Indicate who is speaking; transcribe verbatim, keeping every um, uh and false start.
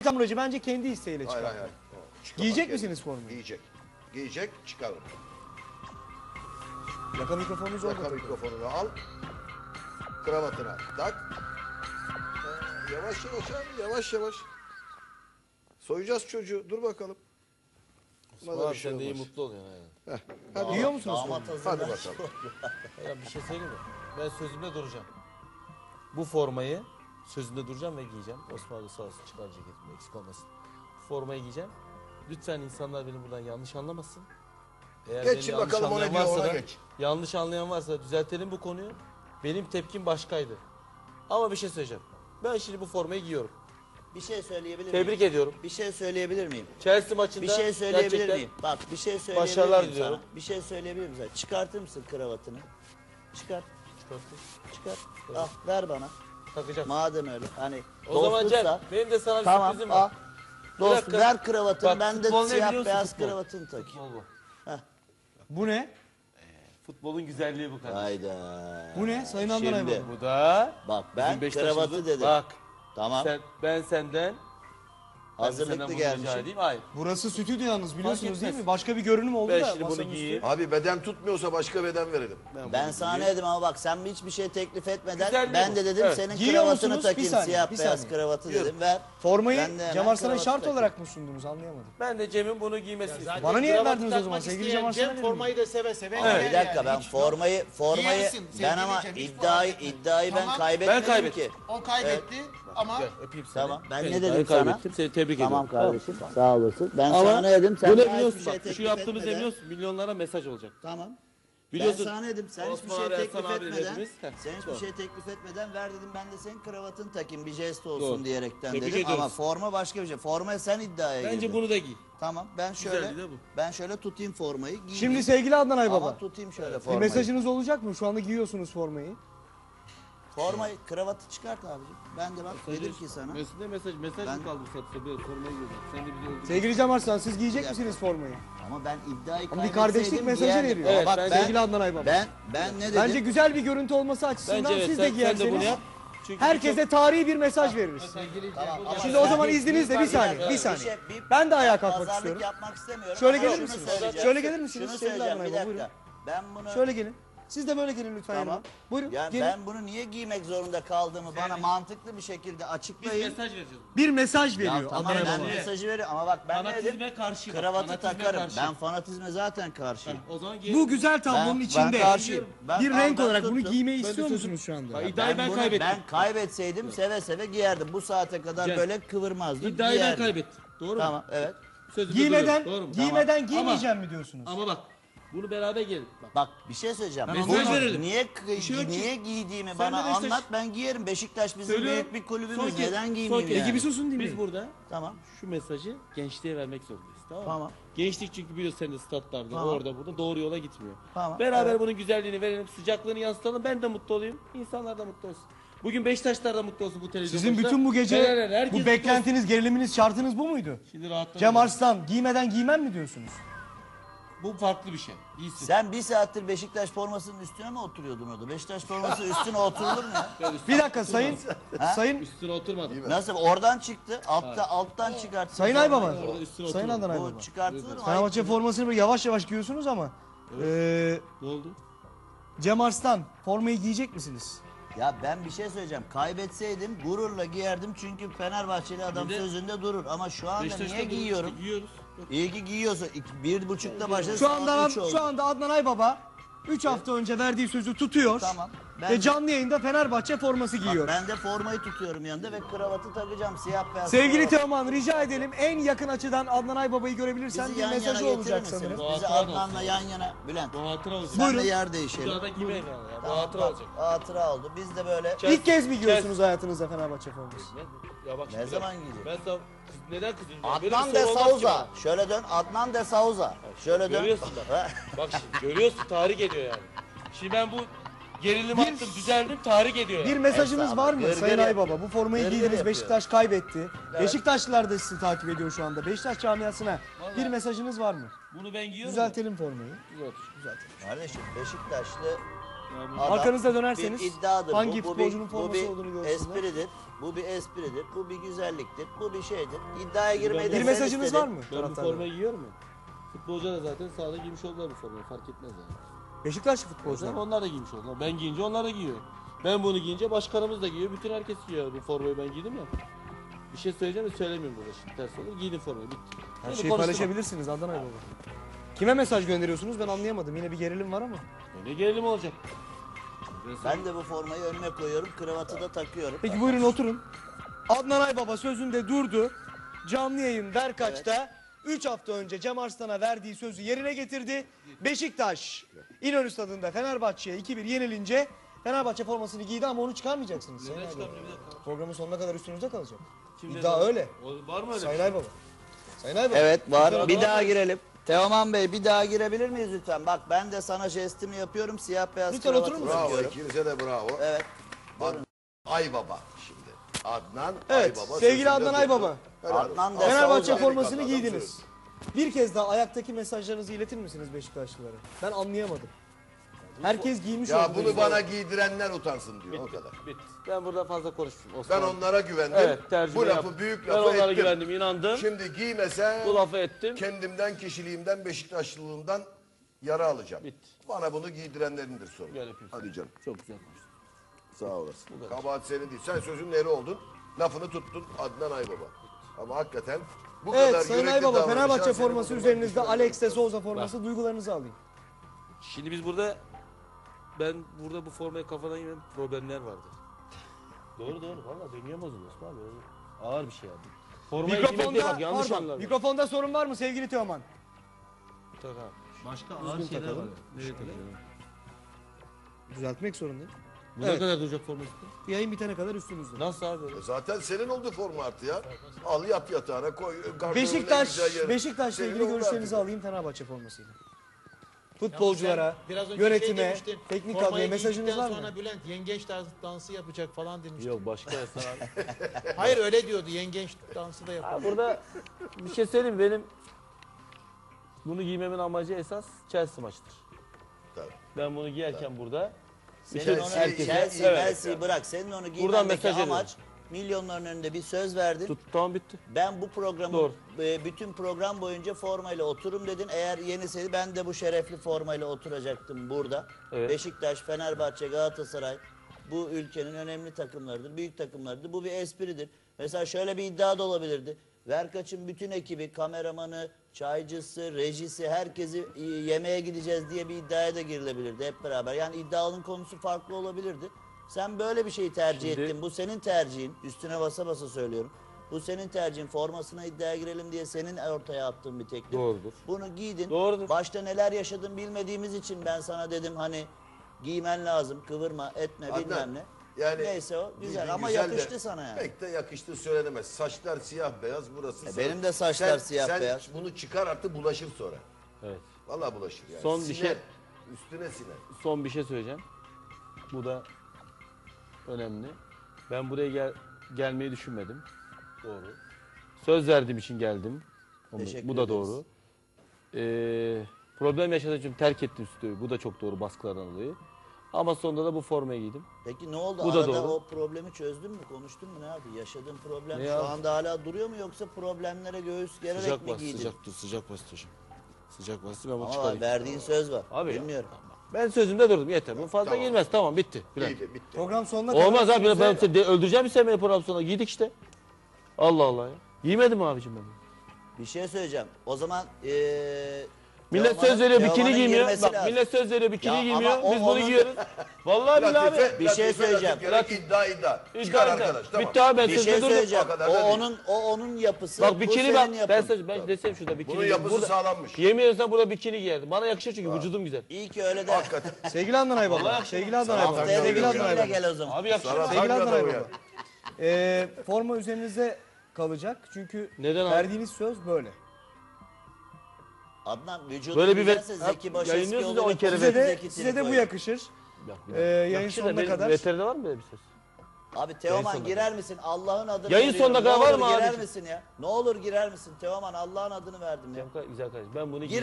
Speaker 1: Tamuracı bence kendi isteğiyle çıkar.
Speaker 2: Hayır hayır. hayır.
Speaker 1: Giyecek misiniz formayı?
Speaker 2: Giyecek. Giyecek, çıkarır.
Speaker 1: Yaka mikrofonunuz orada.
Speaker 2: Yaka mikrofonunu al. Kravatına tak. Ee, yavaş yavaş abi, yavaş yavaş. Soyacağız çocuğu. Dur bakalım.
Speaker 3: Abi sen de iyi mutlu oluyorsun yani.
Speaker 2: Heh, hadi,
Speaker 1: Yiyor musunuz?
Speaker 2: hadi bakalım.
Speaker 3: Ya bir şey söyleyeyim mi? Ben sözümde duracağım. Bu formayı sözümde duracağım ve giyeceğim. Osman sağ olsun çıkar ceketimi eksik olmasın. Bu formayı giyeceğim. Lütfen insanlar beni buradan yanlış anlamasın. Eğer
Speaker 2: Geç
Speaker 3: beni
Speaker 2: şimdi
Speaker 3: yanlış
Speaker 2: bakalım o ne
Speaker 3: anlayan
Speaker 2: diyor,
Speaker 3: varsa
Speaker 2: ona
Speaker 3: da-
Speaker 2: geç.
Speaker 3: Yanlış anlayan varsa düzeltelim bu konuyu. Benim tepkim başkaydı. Ama bir şey söyleyeceğim. Ben şimdi bu formayı giyiyorum.
Speaker 4: Bir şey söyleyebilir miyim?
Speaker 3: Tebrik ediyorum.
Speaker 4: Bir şey söyleyebilir miyim?
Speaker 3: Chelsea maçında
Speaker 4: Bir şey söyleyebilir
Speaker 3: gerçekten
Speaker 4: miyim? Bak bir şey söyleyebilir
Speaker 3: başarılar
Speaker 4: miyim
Speaker 3: diliyorum.
Speaker 4: sana? Bir şey söyleyebilir miyim sana? Çıkartır mısın kravatını? Çıkart.
Speaker 3: Çıkarttım.
Speaker 4: Çıkart. Al ver bana.
Speaker 3: Takacağım.
Speaker 4: Madem öyle. Hani
Speaker 3: O zaman Cem
Speaker 4: dostluksa-
Speaker 3: benim de sana bir
Speaker 4: Tamam
Speaker 3: sürprizim
Speaker 4: al.
Speaker 3: var.
Speaker 4: Dost
Speaker 3: dakika.
Speaker 4: ver kravatını,
Speaker 3: Bak,
Speaker 4: ben de
Speaker 3: futbol ne
Speaker 4: siyah
Speaker 3: biliyorsun?
Speaker 4: beyaz
Speaker 3: Futbol.
Speaker 4: kravatını takayım.
Speaker 3: Futbol bu.
Speaker 1: Bu ne?
Speaker 3: Futbolun güzelliği bu kadar.
Speaker 4: Hayda.
Speaker 1: Bu ne? Sayın Adnan
Speaker 4: Şimdi,
Speaker 1: Aybaba.
Speaker 3: Bu da
Speaker 4: Bak
Speaker 3: bizim
Speaker 4: ben
Speaker 3: Beşiktaş'ımızın-
Speaker 4: kravatı dedim.
Speaker 3: Bak
Speaker 4: Tamam.
Speaker 3: sen, ben senden ben de
Speaker 4: Hazırlıklı
Speaker 3: senden bunu rica
Speaker 4: gelmişim.
Speaker 3: edeyim. Hayır.
Speaker 1: Burası stüdyo yalnız biliyorsunuz
Speaker 3: etmez.
Speaker 1: değil mi? Başka bir görünüm oldu
Speaker 3: Ben
Speaker 1: da
Speaker 3: şimdi bunu
Speaker 1: masanın üstü.
Speaker 3: giyeyim.
Speaker 2: Abi beden tutmuyorsa başka beden verelim.
Speaker 4: Ben sana ne dedim ama bak sen hiçbir şey teklif etmeden
Speaker 3: Güzelliği
Speaker 4: ben
Speaker 3: bu.
Speaker 4: de dedim
Speaker 3: Evet.
Speaker 4: senin
Speaker 1: Giyiyor
Speaker 4: kravatını
Speaker 1: musunuz? Bir
Speaker 4: takayım,
Speaker 1: saniye,
Speaker 4: siyah
Speaker 1: bir
Speaker 4: beyaz
Speaker 1: saniye.
Speaker 4: kravatı
Speaker 3: Giyiyorum.
Speaker 4: dedim ver.
Speaker 1: Formayı
Speaker 4: Ben de hemen
Speaker 1: Cem Arslan'a
Speaker 4: kravatı
Speaker 1: şart
Speaker 4: takayım.
Speaker 1: olarak mı sundunuz anlayamadım.
Speaker 3: Ben de Cem'in bunu giymesini istiyorum.
Speaker 1: Bana niye
Speaker 5: Kravatı
Speaker 1: verdiniz o zaman?
Speaker 5: takmak
Speaker 1: Sevgili
Speaker 5: isteyen
Speaker 1: Cem Arslan'a
Speaker 5: Cem
Speaker 1: verin.
Speaker 5: formayı da seve seve
Speaker 4: Ama
Speaker 5: giyer
Speaker 4: bir dakika
Speaker 5: yani.
Speaker 4: ben
Speaker 5: Hiç-
Speaker 4: formayı formayı
Speaker 5: Giyersin
Speaker 4: ben
Speaker 5: sevgili
Speaker 4: ama
Speaker 5: Cem, hiç
Speaker 4: iddiayı
Speaker 5: fark etmez.
Speaker 4: iddiayı ben
Speaker 5: Tamam.
Speaker 4: kaybetmedim
Speaker 3: Ben kaybettim.
Speaker 4: ki.
Speaker 5: O kaybetti ama
Speaker 3: Gel öpeyim seni.
Speaker 4: Tamam. Ben
Speaker 3: Seni
Speaker 4: ne
Speaker 3: daha
Speaker 4: dedim sana?
Speaker 3: kaybettim, seni tebrik
Speaker 4: Tamam
Speaker 3: ediyorum.
Speaker 4: kardeşim sağ olasın. Ben
Speaker 3: Ama
Speaker 4: sana ne dedim sen
Speaker 3: bu ne
Speaker 4: daha hiçbir
Speaker 3: biliyorsun
Speaker 4: şey
Speaker 3: bak,
Speaker 4: teklif
Speaker 3: şu yaptığımız ne
Speaker 4: etmeden-
Speaker 3: biliyorsun? Milyonlara mesaj olacak.
Speaker 4: Tamam.
Speaker 3: Biliyorsun.
Speaker 4: Ben sana ne dedim sen hiçbir
Speaker 3: Osman
Speaker 4: şey
Speaker 3: abi,
Speaker 4: teklif
Speaker 3: Hasan abiyle
Speaker 4: etmeden
Speaker 3: hepimiz- Heh,
Speaker 4: sen hiçbir
Speaker 3: doğru.
Speaker 4: şey teklif etmeden ver dedim ben de senin kravatını takayım bir jest olsun
Speaker 3: Doğru.
Speaker 4: diyerekten
Speaker 3: Tebrik
Speaker 4: dedim ama
Speaker 3: ediyoruz.
Speaker 4: forma başka bir şey. Formaya sen iddiaya girdin.
Speaker 3: Bence bunu da giy.
Speaker 4: Tamam ben şöyle
Speaker 3: Güzelliği de bu.
Speaker 4: ben şöyle tutayım formayı giyeyim.
Speaker 1: Şimdi sevgili Adnan Aybaba.
Speaker 4: ama tutayım şöyle
Speaker 1: Bir
Speaker 4: formayı.
Speaker 1: mesajınız olacak mı? Şu anda giyiyorsunuz formayı.
Speaker 4: Formayı kravatı çıkart abicim. Ben de bak dedim ki sana.
Speaker 3: Mesaj, ne mesaj? Mesaj
Speaker 4: Ben-
Speaker 3: mı kaldı bu saatte? Böyle sormaya girdim. Sen de bizi öldürdün.
Speaker 1: Sevgili Cem Arslan siz giyecek
Speaker 4: Bir dakika.
Speaker 1: misiniz formayı?
Speaker 4: Ama ben iddiayı
Speaker 1: Ama bir
Speaker 4: kaybetseydim
Speaker 1: kardeşlik mesajı
Speaker 4: giyerdim.
Speaker 1: veriyor.
Speaker 3: Evet,
Speaker 4: Ama
Speaker 3: ben-
Speaker 4: bak
Speaker 1: Sevgili Adnan Aybaba.
Speaker 4: ben ben ne dedim?
Speaker 1: Bence güzel bir görüntü olması açısından
Speaker 3: Bence evet,
Speaker 1: siz
Speaker 3: sen,
Speaker 1: de
Speaker 3: sen de
Speaker 1: giyerseniz
Speaker 3: bunu yap. Çünkü
Speaker 1: herkese tarihi bir mesaj veririz.
Speaker 4: Tamam, ama
Speaker 1: Şimdi
Speaker 4: sen-
Speaker 1: o zaman izninizle bir saniye,
Speaker 4: dakika,
Speaker 1: bir saniye.
Speaker 4: şey- bir-
Speaker 1: Ben de ayağa kalkmak
Speaker 4: pazarlık
Speaker 1: istiyorum.
Speaker 4: yapmak istemiyorum.
Speaker 1: Şöyle
Speaker 4: ama
Speaker 1: gelir
Speaker 4: şunu
Speaker 1: misiniz?
Speaker 4: söyleyeceğim.
Speaker 1: Şöyle gelir misiniz?
Speaker 4: Şunu
Speaker 1: Sevgili
Speaker 4: söyleyeceğim
Speaker 1: Adnan
Speaker 4: bir
Speaker 1: Aybaba,
Speaker 4: dakika. Ben bunu
Speaker 1: Şöyle gelin. Siz de böyle gelin lütfen
Speaker 4: Tamam.
Speaker 1: yanıma. Buyurun
Speaker 4: yani
Speaker 1: gelin.
Speaker 4: ben bunu niye giymek zorunda kaldığımı bana mantıklı bir şekilde
Speaker 3: Biz
Speaker 4: açıklayın.
Speaker 3: mesaj vereceğiz.
Speaker 1: Bir mesaj
Speaker 4: Ya
Speaker 1: veriyor
Speaker 4: tamam
Speaker 1: Adnan
Speaker 4: ben
Speaker 1: Aybaba.
Speaker 4: mesajı veriyorum ama bak ben ne dedim?
Speaker 3: Fanatizme karşı.
Speaker 4: Kravatı
Speaker 3: Fanatizme
Speaker 4: takarım.
Speaker 3: karşı.
Speaker 4: Ben fanatizme zaten karşıyım.
Speaker 3: O zaman giy.
Speaker 1: Bu güzel tablonun
Speaker 4: Ben-
Speaker 1: içinde
Speaker 4: ben karşıyım. Ben
Speaker 1: bir renk
Speaker 4: aldan
Speaker 1: olarak bunu
Speaker 4: tuttum.
Speaker 1: giymeyi
Speaker 3: Ben de
Speaker 1: istiyor
Speaker 3: sözüm-
Speaker 1: musunuz şu anda?
Speaker 3: Bak, iddiayı ben
Speaker 4: bunu-
Speaker 3: kaybettim.
Speaker 4: Ben kaybetseydim seve seve giyerdim. Bu saate kadar
Speaker 3: Gel.
Speaker 4: böyle kıvırmazdım.
Speaker 3: İddiayı ben
Speaker 4: giyerdim.
Speaker 3: kaybettim. Doğru mu?
Speaker 4: Tamam evet.
Speaker 3: Sözümde
Speaker 1: Giymeden,
Speaker 3: duruyorum. Doğru mu?
Speaker 1: giymeden
Speaker 3: Tamam.
Speaker 1: giymeyeceğim mi diyorsunuz?
Speaker 3: Ama, ama bak bunu beraber giyelim. Bak.
Speaker 4: Bak bir şey söyleyeceğim.
Speaker 3: Tamam,
Speaker 4: Bunu
Speaker 3: mesaj verelim.
Speaker 4: Niye
Speaker 3: Bir şey yok ki.
Speaker 4: niye giydiğimi
Speaker 3: Sen
Speaker 4: bana
Speaker 3: de Beşiktaş-
Speaker 4: anlat ben giyerim. Beşiktaş bizim
Speaker 3: Söylüyorum.
Speaker 4: büyük bir kulübümüz.
Speaker 3: Son kez-
Speaker 4: Neden
Speaker 3: son
Speaker 4: giymeyeyim
Speaker 3: kez.
Speaker 4: yani?
Speaker 1: Peki bir susun dinleyin.
Speaker 3: Biz burada
Speaker 4: Tamam.
Speaker 3: şu mesajı gençliğe vermek zorundayız. Tamam mı?
Speaker 4: Tamam.
Speaker 3: Gençlik çünkü biliyorsun sen de statlarda
Speaker 4: Tamam.
Speaker 3: orada burada doğru yola gitmiyor.
Speaker 4: Tamam,
Speaker 3: Beraber
Speaker 4: evet.
Speaker 3: bunun güzelliğini verelim, sıcaklığını yansıtalım. Ben de mutlu olayım. İnsanlar da mutlu olsun. Bugün Beşiktaşlar da mutlu olsun bu televizyon
Speaker 1: Sizin
Speaker 3: başında.
Speaker 1: bütün bu gece
Speaker 3: Fenerler, herkes
Speaker 1: bu
Speaker 3: mutlu
Speaker 1: beklentiniz, geriliminiz, şartınız bu muydu?
Speaker 3: olsun. Şimdi rahatladım.
Speaker 1: Cem Arslan giymeden giymem mi diyorsunuz?
Speaker 3: Bu farklı bir şey. Giysin.
Speaker 4: Sen bir saattir Beşiktaş formasının üstüne mi oturuyordun orada? Beşiktaş forması üstüne oturulur mu ya?
Speaker 3: Ben üstüne
Speaker 1: Bir dakika sayın
Speaker 4: Ha?
Speaker 1: sayın
Speaker 3: Üstüne oturmadım.
Speaker 4: Nasıl? Oradan çıktı. Altta alttan çıkarttı.
Speaker 1: Sayın Aybaba.
Speaker 3: Orada üstüne
Speaker 1: Sayın
Speaker 3: oturmadım.
Speaker 1: Adnan
Speaker 4: Bu
Speaker 1: Aybaba.
Speaker 4: çıkartılır mı?
Speaker 1: Fenerbahçe
Speaker 4: Ayıp.
Speaker 1: formasını böyle yavaş yavaş giyiyorsunuz ama eee
Speaker 3: Ne oldu?
Speaker 1: Cem Arslan formayı giyecek misiniz?
Speaker 4: Ya ben bir şey söyleyeceğim. Kaybetseydim gururla giyerdim çünkü Fenerbahçeli adam
Speaker 3: Bir de-
Speaker 4: sözünde durur. Ama şu anda
Speaker 3: Beşiktaş'ta
Speaker 4: niye
Speaker 3: bu-
Speaker 4: giyiyorum?
Speaker 3: işte giyiyoruz. Yok.
Speaker 4: İyi ki giyiyorsun. İki- Bir buçukta başladı.
Speaker 1: Şu
Speaker 4: saat
Speaker 1: anda
Speaker 4: üç oldu.
Speaker 1: şu anda Adnan Aybaba üç hafta önce verdiği sözü tutuyor.
Speaker 4: Tamam. Ben
Speaker 1: Ve
Speaker 4: de-
Speaker 1: canlı yayında Fenerbahçe forması
Speaker 4: Bak,
Speaker 1: giyiyor.
Speaker 4: ben de formayı tutuyorum yanında ve kravatı takacağım siyah beyaz.
Speaker 1: Sevgili
Speaker 4: kravat.
Speaker 1: Teoman rica edelim en yakın açıdan Adnan Aybaba'yı görebilirsen
Speaker 4: Bizi
Speaker 1: bir
Speaker 4: yan yana
Speaker 1: mesajı
Speaker 4: getirir
Speaker 1: olacak
Speaker 4: misiniz?
Speaker 1: sanırım.
Speaker 3: Bu
Speaker 4: Bizi
Speaker 3: hatıra da
Speaker 4: Adnan'la
Speaker 3: olsun.
Speaker 4: yan yana. Bülent.
Speaker 3: Bu hatıra olsun.
Speaker 4: Senle
Speaker 1: Buyurun.
Speaker 4: yer
Speaker 3: Bir
Speaker 4: değişelim.
Speaker 3: daha da giymeyin yani. Ya. Bu
Speaker 4: Tamam,
Speaker 3: hatıra
Speaker 4: bak,
Speaker 3: olacak.
Speaker 4: hatıra oldu. Biz de böyle
Speaker 1: İlk kez mi giyiyorsunuz hayatınızda Fenerbahçe forması?
Speaker 3: Ne? Ya bak şimdi
Speaker 4: Ne zaman giyeceğiz?
Speaker 3: Ben sana kız, neden kızıyorsun?
Speaker 4: Adnan de Souza. Şöyle dön. Adnan de Souza. Şöyle dön.
Speaker 3: Görüyorsun bak. Bak şimdi görüyorsun tarih ediyor yani. Şimdi ben bu gerilim
Speaker 1: Bir-
Speaker 3: attım düzeldim tarih ediyor
Speaker 1: Bir
Speaker 3: yani.
Speaker 1: mesajınız var mı
Speaker 4: Gırgır
Speaker 1: Sayın
Speaker 4: yap-
Speaker 1: Aybaba? Bu formayı
Speaker 4: Gırgır
Speaker 1: giydiniz
Speaker 4: yapıyor.
Speaker 1: Beşiktaş kaybetti. Beşiktaşlılar da sizi takip ediyor şu anda. Beşiktaş camiasına bir mesajınız var mı?
Speaker 3: Bunu ben giyiyorum.
Speaker 1: Düzeltelim formayı.
Speaker 3: Güzel otur.
Speaker 1: Düzeltelim.
Speaker 4: Kardeşim Beşiktaşlı Adam
Speaker 1: Arkanızda dönerseniz
Speaker 4: bir iddiadır.
Speaker 1: hangi
Speaker 4: bu, bu
Speaker 1: futbolcunun
Speaker 4: bir,
Speaker 1: forması
Speaker 4: bu bir
Speaker 1: olduğunu görsünler.
Speaker 4: espridir. Bu bir espridir. Bu bir güzelliktir. Bu bir şeydir. İddiaya girmeyi de
Speaker 1: Bir
Speaker 4: sen
Speaker 1: mesajınız
Speaker 4: istedin.
Speaker 1: var mı?
Speaker 3: Ben bu
Speaker 1: taraftarlara?
Speaker 3: formayı giyiyorum ya. Futbolcular da zaten sahada giymiş oldular bu formayı. Fark etmez yani.
Speaker 1: Beşiktaşlı
Speaker 3: O
Speaker 1: futbolcular.
Speaker 3: zaman onlar da giymiş oldular. Ben giyince onlar da giyiyor. Ben bunu giyince başkanımız da giyiyor. Bütün herkes giyiyor. Bu formayı ben giydim ya. Bir şey söyleyeceğim de söylemiyorum burada şimdi. Ters olur. Giydim formayı. Bitti.
Speaker 1: Her
Speaker 3: Beni
Speaker 1: şeyi
Speaker 3: konuşturma.
Speaker 1: paylaşabilirsiniz Adnan Aybaba. Kime mesaj gönderiyorsunuz ben anlayamadım. Yine bir gerilim var ama.
Speaker 3: E Ne gerilim olacak?
Speaker 4: Ben de bu formayı önüme koyuyorum. Kravatı da takıyorum.
Speaker 1: Peki buyurun oturun. Adnan Aybaba sözünde durdu. Canlı yayın Berkaç'ta üç hafta önce Cem Arslan'a verdiği sözü yerine getirdi. Beşiktaş İnönü Stadı'nda Fenerbahçe'ye iki bir yenilince Fenerbahçe formasını giydi ama onu çıkarmayacaksınız. Sayın Aybaba. Programın sonuna kadar üstünüzde kalacak.
Speaker 3: Şimdi
Speaker 1: İddia
Speaker 3: de-
Speaker 1: öyle.
Speaker 3: O- Var mı öyle?
Speaker 1: Sayın
Speaker 3: bir şey?
Speaker 1: Aybaba. Sayın Aybaba.
Speaker 4: Evet var. Bir
Speaker 3: Var
Speaker 4: daha
Speaker 3: mı?
Speaker 4: girelim. Teoman Bey bir daha girebilir miyiz lütfen? Bak ben de sana jestimi yapıyorum. Siyah beyaz
Speaker 1: Lütfen
Speaker 4: kravatı
Speaker 1: oturur musun?
Speaker 2: Bravo
Speaker 4: takıyorum.
Speaker 2: ikinize de bravo.
Speaker 4: Evet.
Speaker 2: Adnan Aybaba şimdi. Adnan
Speaker 1: Evet
Speaker 2: Aybaba.
Speaker 1: sevgili
Speaker 2: sözünde
Speaker 1: Adnan
Speaker 2: durdu.
Speaker 1: Aybaba.
Speaker 2: Helal olsun.
Speaker 4: Adnan da-
Speaker 1: Fenerbahçe
Speaker 4: Sağ ol,
Speaker 1: formasını
Speaker 2: Adam
Speaker 1: giydiniz.
Speaker 2: söz.
Speaker 1: Bir kez daha ayaktaki mesajlarınızı iletir misiniz Beşiktaşlılara? Ben anlayamadım. Herkes giymiş
Speaker 2: Ya
Speaker 1: oldu
Speaker 2: bunu
Speaker 1: dedi.
Speaker 2: bana giydirenler utansın diyor o kadar.
Speaker 3: Bitti. Ben burada fazla konuştum.
Speaker 2: Ben
Speaker 3: Osman.
Speaker 2: onlara güvendim.
Speaker 3: Evet, tercüme
Speaker 2: Bu lafı
Speaker 3: yap-
Speaker 2: büyük
Speaker 3: Ben
Speaker 2: lafı
Speaker 3: onlara
Speaker 2: ettim.
Speaker 3: güvendim, inandım.
Speaker 2: Şimdi giymese
Speaker 3: Bu lafı ettim.
Speaker 2: kendimden, kişiliğimden, Beşiktaşlılığımdan yara alacağım.
Speaker 3: Bitti.
Speaker 2: Bana bunu giydirenlerindir sorun.
Speaker 3: Gel öpeyim seni.
Speaker 2: Hadi canım.
Speaker 3: Çok güzel konuştun.
Speaker 2: Sağ olasın.
Speaker 3: Bu kadar.
Speaker 2: Kabahat senin değil. Sen sözün eri oldun. Lafını tuttun Adnan Aybaba. Ama hakikaten bu
Speaker 1: Evet
Speaker 2: kadar
Speaker 1: Sayın
Speaker 2: yürekli
Speaker 1: Aybaba
Speaker 2: davranışan
Speaker 1: Fenerbahçe
Speaker 2: senin
Speaker 1: forması
Speaker 2: bu
Speaker 1: üzerinizde
Speaker 2: kadar
Speaker 1: Alex de Souza forması duygularınızı alayım.
Speaker 3: Şimdi biz burada ben burada bu formayı kafadan yemem problemler vardı. Doğru doğru valla dönüyor bozuldu Osman abi. öyle Ağır bir şey abi. Formayı giymekte
Speaker 1: Mikrofonda,
Speaker 3: bak yanlış
Speaker 1: pardon,
Speaker 3: anlar.
Speaker 1: mikrofonda sorun var mı sevgili Teoman?
Speaker 3: Tak abi.
Speaker 5: Başka
Speaker 1: Düzgün
Speaker 5: ağır şeyler var.
Speaker 1: takalım.
Speaker 3: Nereye takıyorum?
Speaker 1: Düzeltmek zorundayım.
Speaker 3: Bu ne
Speaker 1: Evet.
Speaker 3: kadar duracak forması?
Speaker 1: Yayın bitene kadar üstünüzde.
Speaker 3: Nasıl abi? öyle?
Speaker 2: E Zaten senin oldu forma artı ya. Al yat yatağına koy. gardırobun en
Speaker 1: Beşiktaş,
Speaker 2: güzel yeri.
Speaker 1: Beşiktaş'la
Speaker 2: Senin
Speaker 1: ilgili
Speaker 2: oldu
Speaker 1: görüşlerinizi
Speaker 2: artık.
Speaker 1: alayım Fenerbahçe formasıyla. Futbolculara,
Speaker 5: Yalnız sen biraz önce
Speaker 1: yönetime,
Speaker 5: şey demiştin,
Speaker 1: teknik
Speaker 5: formayı
Speaker 1: kadroya mesajınız
Speaker 5: giydikten
Speaker 1: var mı?
Speaker 5: sonra Bülent yengeç dans- dansı yapacak falan demişti.
Speaker 3: Yok başka Hasan abi.
Speaker 5: Hayır öyle diyordu yengeç dansı da yapar.
Speaker 3: Ha, burada bir şey söyleyeyim mi? Benim bunu giymemin amacı esas Chelsea maçıdır.
Speaker 2: Tabii.
Speaker 3: Ben bunu giyerken burada
Speaker 4: Senin
Speaker 3: şey-
Speaker 4: onu
Speaker 3: herkese-
Speaker 4: Chelsea,
Speaker 3: Evet.
Speaker 4: Chelsea'yi bırak. Senin onu
Speaker 3: Buradan
Speaker 4: giymendeki
Speaker 3: mesaj
Speaker 4: amaç milyonların önünde bir söz verdin.
Speaker 3: tut tamam bitti.
Speaker 4: Ben bu programı
Speaker 3: Doğru.
Speaker 4: e, bütün program boyunca formayla oturum dedin. Eğer yeniseydi ben de bu şerefli formayla oturacaktım burada.
Speaker 3: Evet.
Speaker 4: Beşiktaş, Fenerbahçe, Galatasaray bu ülkenin önemli takımlarıdır, büyük takımlardır. Bu bir espridir. Mesela şöyle bir iddia da olabilirdi. Verkaç'ın bütün ekibi, kameramanı, çaycısı, rejisi, herkesi e, yemeğe gideceğiz diye bir iddiaya da girilebilirdi hep beraber. Yani iddianın konusu farklı olabilirdi. Sen böyle bir şeyi tercih
Speaker 3: Şimdi-
Speaker 4: ettin. Bu senin tercihin. Üstüne basa basa söylüyorum. Bu senin tercihin. Formasına iddiaya girelim diye senin ortaya attığın bir teklif.
Speaker 3: Doğrudur.
Speaker 4: Bunu giydin.
Speaker 3: Doğrudur.
Speaker 4: Başta neler yaşadın bilmediğimiz için ben sana dedim hani giymen lazım. Kıvırma, etme
Speaker 2: Adnan,
Speaker 4: bilmem ne.
Speaker 2: Yani
Speaker 4: Neyse o güzel
Speaker 2: giydin
Speaker 4: ama
Speaker 2: güzel de
Speaker 4: yakıştı sana yani.
Speaker 2: Pek de yakıştı söylenemez. Saçlar siyah beyaz burası.
Speaker 4: E,
Speaker 2: sarı.
Speaker 4: benim de saçlar
Speaker 2: sen,
Speaker 4: siyah
Speaker 2: sen
Speaker 4: beyaz.
Speaker 2: bunu çıkar artık bulaşır sonra.
Speaker 3: Evet.
Speaker 2: Vallahi bulaşır yani.
Speaker 3: Son bir
Speaker 2: Siner.
Speaker 3: şey-
Speaker 2: Üstüne siner.
Speaker 3: Son bir şey söyleyeceğim. Bu da önemli. Ben buraya gel gelmeyi düşünmedim. Doğru. Söz verdiğim için geldim. Onu-
Speaker 4: Teşekkür
Speaker 3: bu da
Speaker 4: ederiz.
Speaker 3: doğru. Ee, problem yaşadığım için terk ettim stüdyoyu. Bu da çok doğru baskılardan dolayı. Ama sonunda da bu formayı giydim.
Speaker 4: Peki ne oldu?
Speaker 3: Bu da
Speaker 4: Arada
Speaker 3: doğru.
Speaker 4: o problemi çözdün mü? Konuştun mu? Ne yaptın? Yaşadığın problem
Speaker 3: Ne
Speaker 4: şu
Speaker 3: abi?
Speaker 4: anda hala duruyor mu yoksa problemlere göğüs gererek
Speaker 3: Sıcak
Speaker 4: mi
Speaker 3: bastı,
Speaker 4: giydin?
Speaker 3: sıcak dur, sıcak bastı hocam. Sıcak bastı ben bunu
Speaker 4: Ama
Speaker 3: çıkarayım.
Speaker 4: verdiğin söz var.
Speaker 3: Abi ya.
Speaker 4: Bilmiyorum.
Speaker 3: Ben sözümde durdum yeter. Bu fazla
Speaker 2: Tamam.
Speaker 3: girmez tamam bitti. Bülent.
Speaker 2: İyiydi bitti.
Speaker 1: Program sonuna kadar
Speaker 3: Olmaz abi ben
Speaker 1: üstünüzde-
Speaker 3: seni de- öldüreceğim seni beni program sonunda. Giydik işte. Allah Allah ya. Giymedim mi abicim ben?
Speaker 4: Bir şey söyleyeceğim. O zaman eee
Speaker 3: Millet
Speaker 4: Teoman'ın-
Speaker 3: söz veriyor bikini
Speaker 4: Teoman'ın
Speaker 3: giymiyor.
Speaker 4: girmesi
Speaker 3: Bak
Speaker 4: lazım.
Speaker 3: millet söz veriyor bikini
Speaker 4: Ya ama
Speaker 3: giymiyor.
Speaker 4: o
Speaker 3: Biz bunu
Speaker 4: onun-
Speaker 3: giyiyoruz. Vallahi billahi abi.
Speaker 2: Latife,
Speaker 4: Bir şey
Speaker 2: latife,
Speaker 4: söyleyeceğim.
Speaker 2: latife, gerek iddia iddia.
Speaker 3: İddia
Speaker 2: Çıkar
Speaker 3: iddia.
Speaker 2: arkadaş tamam.
Speaker 3: Bitti abi ben
Speaker 4: Bir
Speaker 3: sözümde
Speaker 4: şey
Speaker 3: durdum.
Speaker 4: söyleyeceğim.
Speaker 2: O kadar
Speaker 4: O
Speaker 2: da değil.
Speaker 4: onun o onun yapısı.
Speaker 3: Bak
Speaker 4: bu
Speaker 3: bikini
Speaker 4: senin
Speaker 3: bak.
Speaker 4: yapın.
Speaker 3: Ben söz ben desem şurada bikini.
Speaker 2: Bunun
Speaker 3: giyeyim.
Speaker 2: yapısı
Speaker 3: Burada-
Speaker 2: sağlammış.
Speaker 3: Yemin ediyorum sen burada bikini giyerdin. Bana yakışır çünkü vücudum güzel.
Speaker 4: İyi ki öyle de.
Speaker 2: Hakikaten.
Speaker 1: Sevgili Adnan Aybaba,
Speaker 3: Vallahi
Speaker 1: sevgili Adnan
Speaker 2: Sana
Speaker 1: Aybaba,
Speaker 2: takdir
Speaker 4: Haftaya da
Speaker 1: sevgili Adnan
Speaker 2: ediyorum
Speaker 4: bikiniyle
Speaker 1: Aybaba.
Speaker 4: gel o zaman.
Speaker 3: Abi yakışır
Speaker 2: Sana
Speaker 3: mı?
Speaker 1: Sevgili
Speaker 2: Hakikaten
Speaker 1: Adnan
Speaker 2: o
Speaker 1: Aybaba.
Speaker 2: ya.
Speaker 1: Ee, forma üzerinizde kalacak çünkü
Speaker 3: Neden abi?
Speaker 1: verdiğiniz söz böyle.
Speaker 4: Adnan vücudun
Speaker 3: Böyle bir
Speaker 4: güzelse
Speaker 3: ve-
Speaker 4: Zeki Başeski
Speaker 3: yayınlıyorsunuz ya
Speaker 4: olur.
Speaker 3: on kere
Speaker 1: Size de,
Speaker 4: Zeki
Speaker 1: size de bu
Speaker 4: Tilkoy.
Speaker 1: yakışır.
Speaker 3: Bak,
Speaker 1: Ee, yayın
Speaker 3: yakışır da
Speaker 1: sonuna
Speaker 3: benim
Speaker 1: kadar.
Speaker 3: Veterinerde var mı böyle bir söz?
Speaker 4: Abi Teoman
Speaker 3: sonuna
Speaker 4: girer misin? Allah'ın adını
Speaker 3: Yayın
Speaker 4: veriyorum.
Speaker 3: sonuna kadar
Speaker 4: Ne
Speaker 3: var
Speaker 4: olur
Speaker 3: mı
Speaker 4: girer
Speaker 3: abicim?
Speaker 4: misin ya? Ne olur girer misin? Teoman Allah'ın adını verdim ya.
Speaker 3: Güzel kardeşim ben bunu
Speaker 4: Gir